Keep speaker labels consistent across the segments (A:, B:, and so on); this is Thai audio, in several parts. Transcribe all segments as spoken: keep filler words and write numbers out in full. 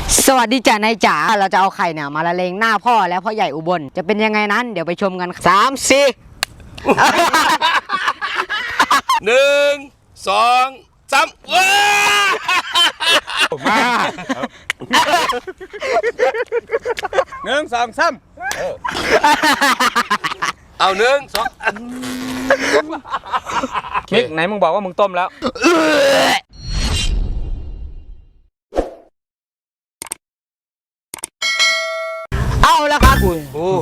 A: สวัสดีจ้านายจ๋าเราจะเอาไข่เนี่ยมาละเลงหน้าพ่อและพ่อใหญ่อุบลจะเป็นยังไงนั้นเดี๋ยวไปชมกันสามสี่
B: หนึ่งสองสามว้า
C: มาหนึ่งสองสาม
B: เอาหนึ่งสอง
C: มิกไหนมึงบอกว่ามึงต้มแล้ว
A: เอาแล้วครับคุณ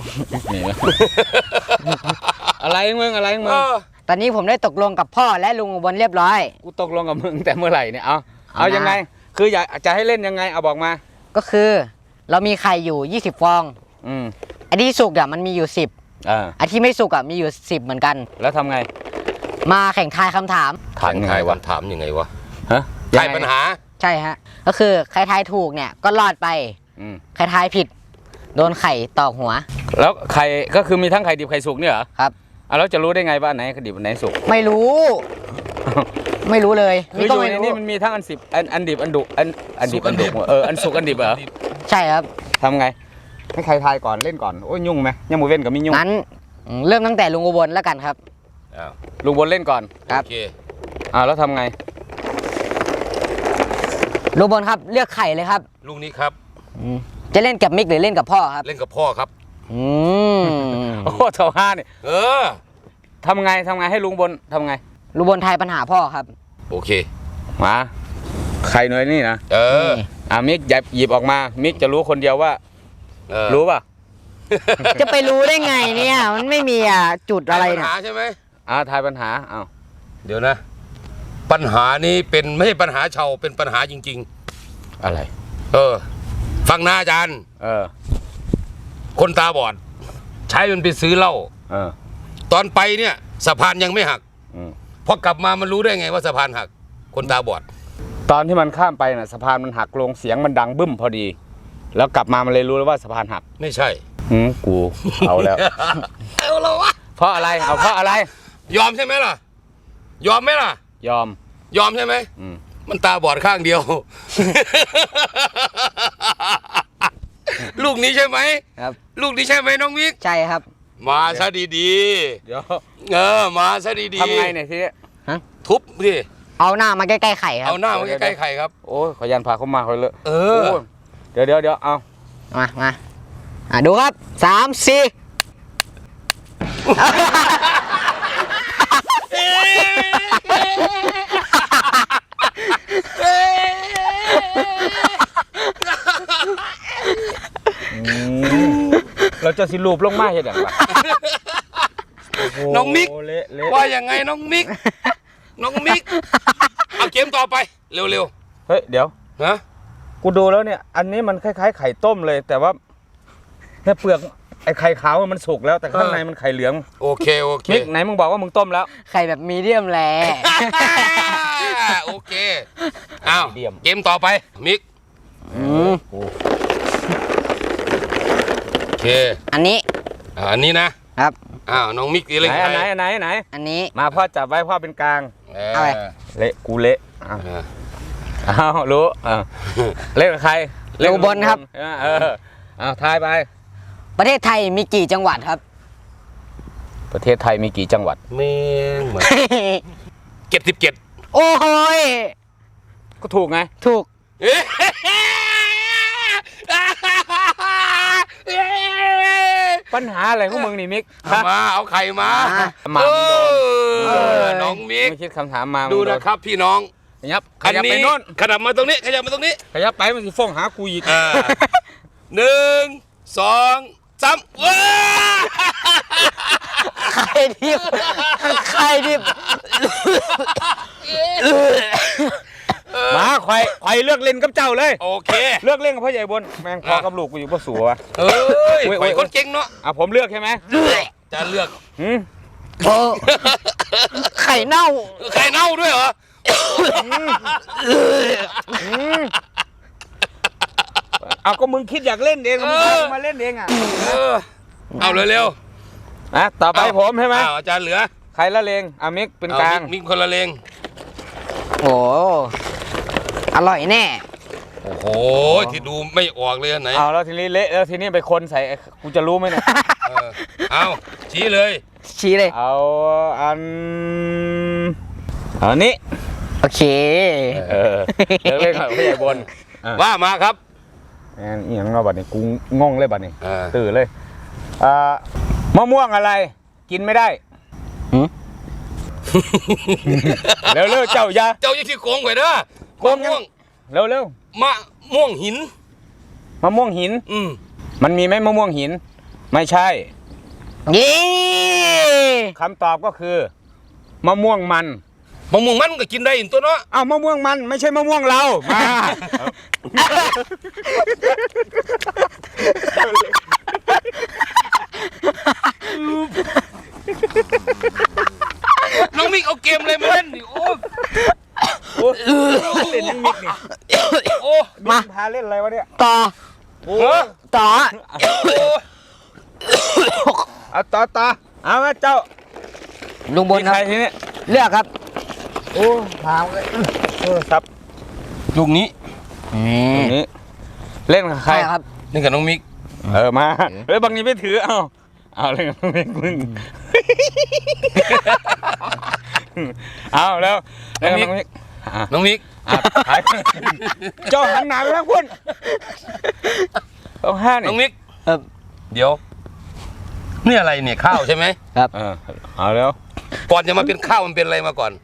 C: อะไรมึงอะไรมึง
A: ตอนนี้ผมได้ตกลงกับพ่อและลุงอุบลเรียบร้อย
C: กูตกลงกับมึงแต่เมื่อไหร่เนี่ยเอาเอายังไงคืออยากจะให้เล่นยังไงเอาบอกมา
A: ก็คือเรามีไข่อยู่ยี่สิบฟอง
C: อืม
A: อันที่สุกอ่ะมันมีอยู่สิบ
C: อ่า
A: อันที่ไม่สุกอ่ะมีอยู่สิบเหมือนกัน
C: แล้วทำไง
A: มาแข่งทายคำถาม
B: ถามยังไงวะถามยังไงวะ
C: ฮะ
B: ทายปัญหา
A: ใช่ฮะก็คือใครทายถูกเนี่ยก็รอดไปใครทายผิดโดนไข่ตอกหัว
C: แล้วไข่ก็คือมีทั้งไข่ดิบไข่สุกเนี่ยเหรอ
A: ครับ
C: อ่ะแล้วจะรู้ได้ไงว่าไหนไข่ดิบไหนสุก
A: ไม่รู้ไม่รู้เลย
C: คืออยู่ในนี้มันมีทั้งอันสิบอันอันดิบอันดุอันอันดิบอันดุเอออันสุกอันดิบเหรอ
A: ใช่ครับ
C: ทำไงให้ใครทายก่อนเล่นก่อนโอ้ยยุ่งไหมยังมือเว้นกับมียุ่ง
A: งั้นเริ่มตั้งแต่ลุงอุบลแล้วกันครับ
C: ลุงอุบลเล่นก่อน
A: ครับ
C: อ่าแล้วทำไง
A: ลุงอุบลครับเลือกไข่เลยครับ
B: ลูกนี้ครับ
A: จะเล่นกับมิกหรือเล่นกับพ่อครับ
B: เล่นกับพ่อครับ
A: อืม
C: โอ้เท่าห้าเนี่ย
B: เออ
C: ทำไงทำไงให้ลุงบนทำไง
A: ลุงบนทายปัญหาพ่อครับ
B: โอเค
C: มาใครหน่อยนี่นะ
B: เออ
C: อ่ามิกหยิบหยิบออกมามิกจะรู้คนเดียวว่ารู้ป่ะ
A: จะไปรู้ได้ไงเนี่ยมันไม่มีอ่ะจุดอะไร
B: นะปัญหาใช่ไหม
C: อ่าทายปัญหาเอา
B: เดี๋ยวนะปัญหานี้เป็นไม่ใช่ปัญหาชาวเป็นปัญหาจริง
C: ๆอะไร
B: เออฟังนะอาจารย์
C: เออ
B: คนตาบอดใช้มันไปซื้อเหล้า
C: เออ
B: ตอนไปเนี่ยสะพานยังไม่หักพอกลับมามันรู้ได้ไงว่าสะพานหักคนตาบอด
C: ตอนที่มันข้ามไปน่ะสะพานมันหักลงเสียงมันดังบึ้มพอดีแล้วกลับมามันเลยรู้แล้วว่าสะพานหัก
B: ไม่ใช่
C: อืมกูเอาแล้ว
B: เอาแล้ววะ
C: เพราะอะไรเอาเพราะอะไร
B: ยอมใช่ไหมล่ะยอมไหมล่ะ
C: ยอม
B: ยอมใช่ไหมมันตาบอดข้างเดียวลูกนี้ใช่ไหม
A: ครับ
B: ลูกนี้ใช่ไหมน้องมิก
A: ใช่ครับ
B: มาซะดี
C: ๆเดี๋ยว
B: เออมาซะดีๆ
C: ทำไงเนี่ยทีนี้
B: ทุบดิ
A: เอาหน้ามาใกล้ๆไข่ครับ
B: เอาหน้ามาใกล้ๆไข่ครับ
C: โอ้ยขยันพาเขามาเขาเลย
B: เออ
C: เดี๋ยวเดี๋ยวเดี๋ยวเอา
A: มามาอ่ะดูครับสามสี่
C: เราจะสิรูปลงมาเห็นอย่างไร
B: น้องมิกว่าอย่างไงน้องมิกน้องมิกเอาเกมต่อไปเร็ว
C: ๆเฮ้ยเดี๋ยว
B: นะ
C: กูดูแล้วเนี่ยอันนี้มันคล้ายๆไข่ต้มเลยแต่ว่าแค่เปลือกไอ้ไข่ขาวมันสุกแล้วแต่ข้างในมันไข่เหลือง
B: โอเคโอเค
C: มิกไหนมึงบอกว่ามึงต้มแล้ว
A: ไข่แบบมีเดียมแล
B: โอเคอ้าวเกมต่อไปมิกโอเค
A: อันนี้
B: อันนี้นะครับอ้าวน้องมิกอะไร
C: ไหนไหนไหนไหน
A: อันนี้
C: มาพ่อจับไว้พ่อเป็นกลาง
A: อะไร
C: เละกูเละอ้าวรู้เล่นกับใคร
A: เล่นบนครับ
C: เอออ้าวทายไป
A: ประเทศไทยมีกี่จังหวัดครับ
C: ประเทศไทยมีกี่จังหวัด
B: เมงเหมือนเจ็ดสิบเจ็ด
A: โอ้โห
C: ก็ถูกไง
A: ถูก
C: ปัญหาอะไรของมึงนี่มิก
B: มาเอาไข่มา
C: มา
B: น้องมิก
C: ไม่คิดคำถามมา
B: ดูนะครับพี่น้อง
C: ขยับขยับไปโน่น
B: ขยับมาตรงนี้ขยับมาตรงนี้
C: ขยับไปมันจะฟ้องหากูอีก
B: หนึ่งสองสามว้า
A: ไข่ดิบไข่ดิบ
C: มาควายควายเลือกเล่นกับเจ้าเลย
B: โอเค
C: เลือกเล่นกับพ่อใหญ่บนแมงพอกับลูกกูอยู่พ่อสัว
B: เอ้ยควายคนเก่งเนาะ
C: อ่ะผมเลือกใช่ไหม
B: จะเลือก
C: หืม
A: ไข่เน่า
B: ไข่เน่าด้วยเหรอ
C: เอาก็มึงคิดอยากเล่นเองมึงมาเล่นเองอ่ะ
B: เอาเร็ว
C: ๆนะต่อไปผมใช่ไหม
B: อาจารย์เหลือ
C: ใครละเลงอามิกเป็นกลาง
B: มิกคนละเลง
A: โอ้อร่อยแน่
B: โอ้โหที่ดูไม่ออกเลยอันไหน
C: เอาแล้วทีนี้เละแล้วทีนี้ไปคนใส่กูจะรู้ไหมเนี่ย
B: เออเอาชี้เลย
A: ชี้เลย
C: เอาอันเอาอันนี้
A: โอเค
C: เออเลิกเล่นกับผู้ใหญ่บน
B: ว่ามาครับ
C: แอนอีหยังเราบัดนี้กูงงเลยบัดนี้
B: เออ
C: ตื่นเลยอ่ามะม่วงอะไร กินไม่ได้
A: หืม
C: เร็วเร็วเจ้าอยา
B: เจ้ายี่ที่โกงไว้เด้อ
C: โกงยัง
B: ม่วง
C: เร็วเร็ว
B: มะม่วงหิน
C: มะม่วงหิน
B: อืม
C: มันมีไหมมะม่วงหิน ไม่ใช่
A: ยี่
C: คำตอบก็คือมะม่วงมัน
B: มะม่วงมันก็กินได้อีกตัวเนาะ
C: อ้าวมะม่วงมันไม่ใช่มะม่วงเรามา
B: น้องมิกเอาเกมอะไรมาเล่นดิโอ้
C: โอ้เล่นยังมิกนี่
B: โอ้
C: มา พาเล่นอะไรวะเนี่ย
A: ต่อ
C: โอ้
A: ต่อ
C: เอาต่อต่อเอามาเจ้า
A: ลุงบน
C: มี
A: ครั
C: ใคร
A: บ
C: ทีนี้
A: เลือกครับ
C: โอ้พาเลยโทรศัพท์
B: ลูกนี้
C: ตรงนี้เล่นกับใคร
A: ใช่ครับ
B: นี่กับน้องมิก
C: เออมาเฮ้ยบางทีไม่ถือเอาเอาเล่นกับมิกมึงเอาแล้วเล่นกับน้องมิกอ่ะ
B: น้องมิก
C: อ่ะถ่ายเจ้าหันหน้าไปทางคุณต้องห้านี่
B: น้องมิก
A: เออ
B: เดี๋ยวนี่อะไรเนี่ยข้าวใช่ไหม
A: ครับ
C: เออเอาแล้ว
B: ก่อนจะมาเป็นข้าวมันเป็นอะไรมาก่อน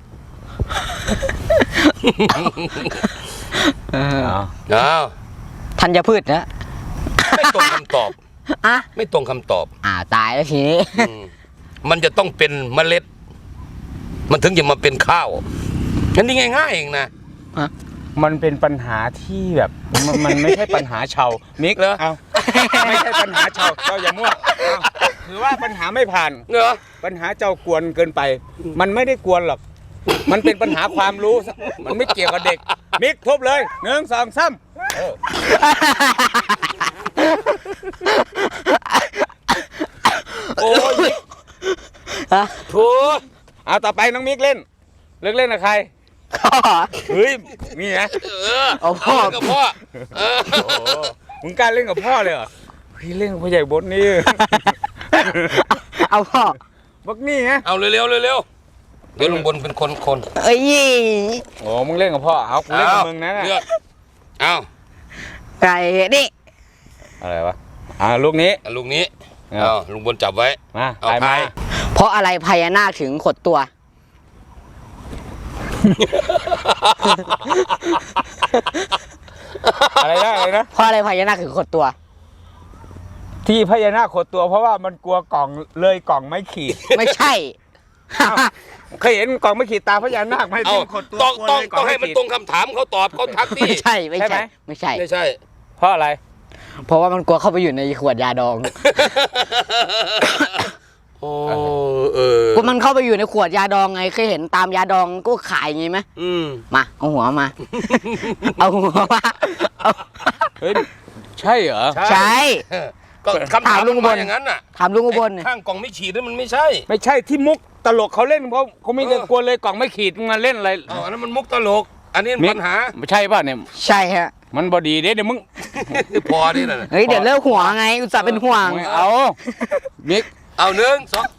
A: เออ
C: เอา
B: อ้าว
A: ธัญพืชนะ
B: ไม่ตรงคำตอบ
A: อ่ะ
B: ไม่ตรงคำตอบ
A: อ่าตายแล้วทีนี้
B: อืมมันจะต้องเป็นเมล็ด มันถึงจะมาเป็นข้าวอันนี้ง่ายๆเองนะ
C: มันเป็นปัญหาที่แบบมันมันไม่ใช่ปัญหาชาวมิก
B: เหรอ
C: เอาไม่ใช่ปัญหาชาวเจ้าอย่ามั่วเอาถือว่าปัญหาไม่ผ่าน
B: เหรอ
C: ปัญหาเจ้ากวนเกินไป มันไม่ได้กวนหรอก มันเป็นปัญหาความรู้ มันไม่เกี่ยวกับเด็ก มิกทุบเลยหนึ่งสองสามเออโอ้ยมิก
A: ฮะ
B: โถ่
C: เอาต่อไปน้องมิกเล่น เลิกเล่นกับใคร
A: ข้อ
C: เฮ้ย นี่ไง
B: เออ
A: เอาพ่อ
B: เล่นกับพ่อเออ
C: โอ้โหมึงกล้าเล่นกับพ่อเลยเหรอพี่เล่นกับพ่อใหญ่บดนี่
A: เอาพ่อ
C: บักนี่ไง
B: เอาเร็วๆเร็วๆเดี๋ยวลุงบนเป็นคนคน
A: เอ้ย
C: โอ้มึงเล่นกับพ่อ เอากูเล่นกับมึงนะ
B: เลือกเอา
A: ไก่นี่
C: อะไรวะ อ่าลูกนี้
B: เอาลูกนี้
C: เอา
B: เอาลุงบนจับไว้
C: มา
B: เอา
C: ไป
B: ไป
C: มา
A: เพราะอะไรพญานาคถึงขดตัว
C: อะไรนะอะไรนะ
A: เพราะอะไรพญานาคถึงขดตัว
C: ที่พญานาคขดตัวเพราะว่ามันกลัวกล่องเลยกล่องไม่ขีด
A: ไม่ใช่
C: เคยเห็นกล่องไม่ขีดตาพญานาคไหม
B: เอา
C: ที่ขดตัว
B: ต้อง
C: กลัว
B: ต้อง
C: เลยกล่
B: ต้
C: อ
B: อง งให้มัน
C: ขีด
B: ตรงคำถามเขาตอบเขาทักที่
A: ไม่ใช่ไม่
C: ใช่ไหม
A: ใช่ไม่ใช่
B: ไม่ใช่
C: เพราะอะไร
A: เพราะว่ามันกลัวเข้าไปอยู่ในขวดยาดอง
B: โอ้เออ
A: ก็มันเข้าไปอยู่ในขวดยาดองไงเคยเห็นตามยาดองก็ขายอย่างงี้ไหม
B: อืม
A: มาเอาหัวมา เอาหัวมาเอา
C: เฮ้ย ใช่เหรอ
A: ใช่
B: ก็คำถาม
A: ถามลุ
B: ลุ
A: ง
B: ง
A: อุบบ ล
B: นอย่างนั้นน่ะ
A: ถามลุงอุบล
B: ไอ้ข้างกล่องไม่ฉีดนั่นมันไม่ใช่
C: ไม่ใช่ที่มุกตลกเขาเล่นเพราะเขาไม่ได้
B: เออ
C: กลัวเลยกล่องไม่ขีดมึงมาเล่นอะไร
B: เอาอันนั้นมันมุกตลก อันนี้
C: มิก
B: ปัญหา
C: ไม่ใช่ป่ะเนี่ย
A: ใช่ฮะ
C: มันบอดีเด้เดี๋ยวมึง
B: พอนี่น่ะ
A: เฮ้ยเดี๋ยวเลิกหัวไงอุตส่าห์เป็นห่วง
C: ไม่เอา มิก
B: เอาหนึ่งสอง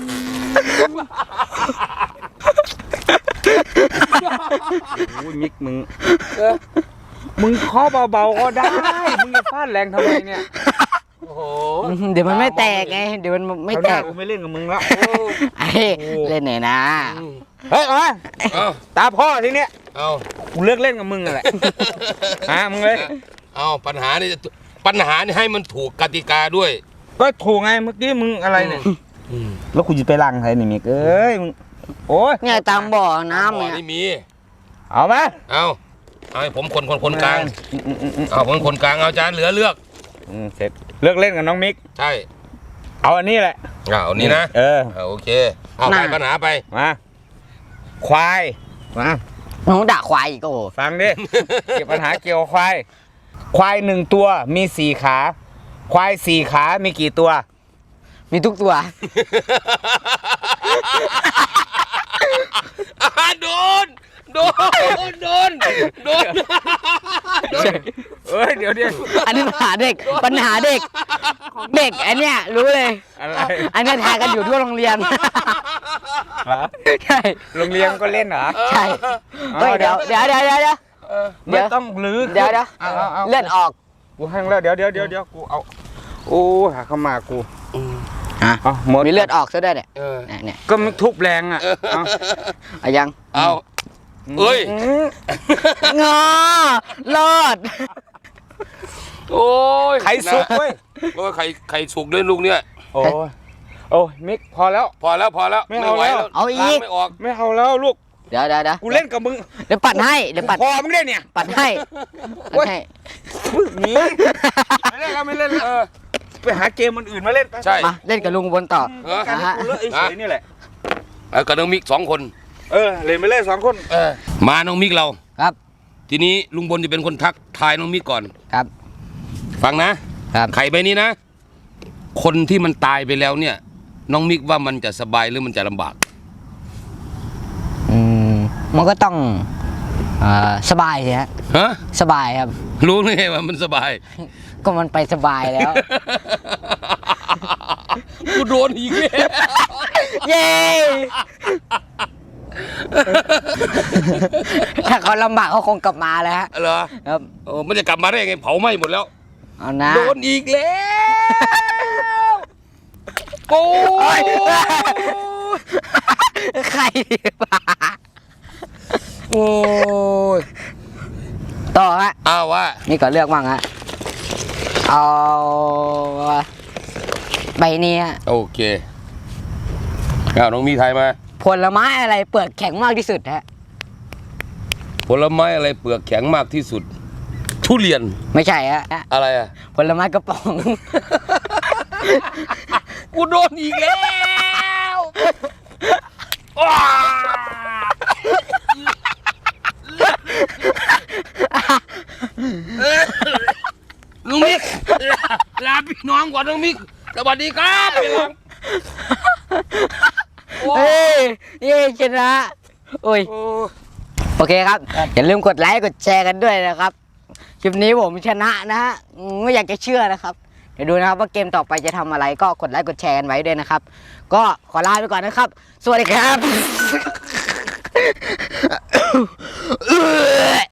C: โอ้ยมิกมึง มึงเคาะเบาๆก็ได้ มึงจะฟาดแรงทำไมเนี่ย
B: โอ้โห
A: เดี๋ยวมันไม่แตกไงเดี๋ยวมันไม่
C: คราวห
A: แต
C: น้าก กูไม่เล่นกับมึงแล้ว
A: ไอ้เล่นไหนอยนะ
C: เฮ้ยมา
B: เอา
C: ตาพ่อทีเนี้ย
B: เอา
C: กูเลิกเล่นกับมึงอะไรฮะมึงเลย
B: เอาปัญหานี่ปัญหานี่ให้มันถูกกติกาด้วย
C: ก็ถูกไงเมื่อกี้มึงอะไรเนี่ย
B: อืม
C: แล้วกูจะไปล้างใครนี่มิกเอ้ยมึงโอ้ย
A: เนี่ยตามบ่อน้ำ
B: บ่อ
A: เนี่ย
B: นี่มี
C: เอาไหม
B: เอาเอาให้ผมคนคนคนกลาง
C: อืมอืมอืมอืม
B: เอาผมคนกลางเอาจานเหลือเลือก
C: อืมเสร็จเลิกเล่นกับน้องมิก
B: ใช่
C: เอาอันนี้แหละ
B: เอาอันนี้นะ
C: เออ
B: เอาโอเคเอาไปปัญหาไป
C: มาควายมา
A: น้องด่าควายอีกโอ้โห
C: ฟังดิ เกี่ยวปัญหาเกี่ยวกับควาย ควายหนึ่งตัวมีสี่ขา ควายสี่ขามีกี่ตัว
A: มีทุกตัว
B: อ่าโดนโดนโดนโดน
C: เอ้ยเดี๋ยวเดี๋ยว
A: อันนี้ปัญหาเด็กปัญหาเด็ก เด็กอันเนี้ยรู้เลย
C: อะไร
A: อันเนี้ยทายกันอยู่ทั่วโรงเรียน
C: เหรอ
A: ใช่
C: โรงเรียนก็เล่นเหรอ
A: ใช่เฮ้ยเดี๋ยวเดี๋ยวเดี๋ยวเดี๋ยวเดี๋ยว
C: ไม่ต้องลื้อ
A: เดี๋ยวเดี๋ยว
C: เอาเอาเอา
A: เลือดออก
C: กูแห้งแล้วเดี๋ยวเดี๋ยวเดี๋ยวเดี๋ยวกูเอาโอ้หาเข้ามากู
A: ฮะ
C: เอาหมด
A: มีเลือดออกซะด้วยเนี่ย
B: เออ
A: เนี่ยเนี่ย
C: ก็มันทุบแรงอ่ะเอา
A: เอายัง
B: เอาเอ้ย
A: งอรอด
B: โอ้ย
C: ไข่สุกเว้ย
B: โอ้ยไข่ไข่สุกด้วยลูกเนี่ย
C: โอ้ยโอ้ยมิกพอแล้ว
B: พอแล้วพอแล้ว
C: ไม่เอา
B: ไหว
C: แล้ว
A: เอาอีก
B: ล้งไม่ออก
C: ไม่เอาแล้วลูก
A: เดี๋ยวเดี๋ยวเดี๋ยว
C: กูเล่นกับมึง
A: เดี๋ยวปัดให้เดี๋ยวปัด
C: พอมึงได้เนี่ย
A: ปัดให้ปัดให้
C: หนีไม่เล่นแล้วไม่เล่นแล้วเออไปหาเกมมันอื่นมาเล่นไป
B: ใช่
A: มาเล่นกับลุงบนต่อ
B: เออ
C: การให้กูเลอะไอ้เฉยนี่แหละ
B: เอากับน้องมิกสองคน
C: เออเล่นไปเล่นสองคน
B: เออมาน้องมิกเรา
A: ครับ
B: ทีนี้ลุงบนจะเป็นคนทักทายน้องมิกก่อน
A: ครับ
B: ฟังนะครับ ไข่ใบนี้นะ คนที่มันตายไปแล้วเนี่ย น้องมิกว่ามันจะสบายหรือมันจะลำบาก
A: อืมมันก็ต้องเอ่อสบายสิฮะ
B: ฮะ
A: สบายครับ
B: รู้ไหมว่ามันสบาย
A: ก็มันไปสบายแล้ว
B: กูโดนอีกแล้ว
A: เย้ถ้าเขาลำบากเขาคงกลับมาแล้วฮะ
B: เหรอ
A: ครับ
B: โอ้มันจะกลับมาได้ยังไงเผาไหม้หมดแล้ว
A: เอานะ
B: โดนอีกแล้วโอ้ย
A: ใครมา
B: โอ้ย
A: ต่อฮะ
B: อ้าวว่า
A: นี่ก็เลือกบ้างฮะเอาใบนี้ฮะ
B: โอเคเอาน้องมีไทยมา
A: ผลไม้อะไรเปลือกแข็งมากที่สุดฮะ
B: ผลไม้อะไรเปลือกแข็งมากที่สุด ทุเรียน
A: ไม่ใช่ฮะ
B: อะไรอ่ะ
A: ผลไม้กระป๋อง
B: กูโดนอีกแล้วว้าลุงมิกลาลาพี่น้องก่อนลุงมิกสวัสดีครับพี่น้อง
A: เฮ้ยเย้ชนะโอ้ย
B: โอ้
A: โอเคครับ อย่าลืมกดไลค์กดแชร์กันด้วยนะครับ คลิปนี้ผมชนะนะฮะอืมไม่อยากจะเชื่อนะครับ เดี๋ยวดูนะครับว่าเกมต่อไปจะทำอะไรก็กดไลค์กดแชร์กันไว้ด้วยนะครับ ก็ขอลาไปก่อนนะครับ สวัสดีครับ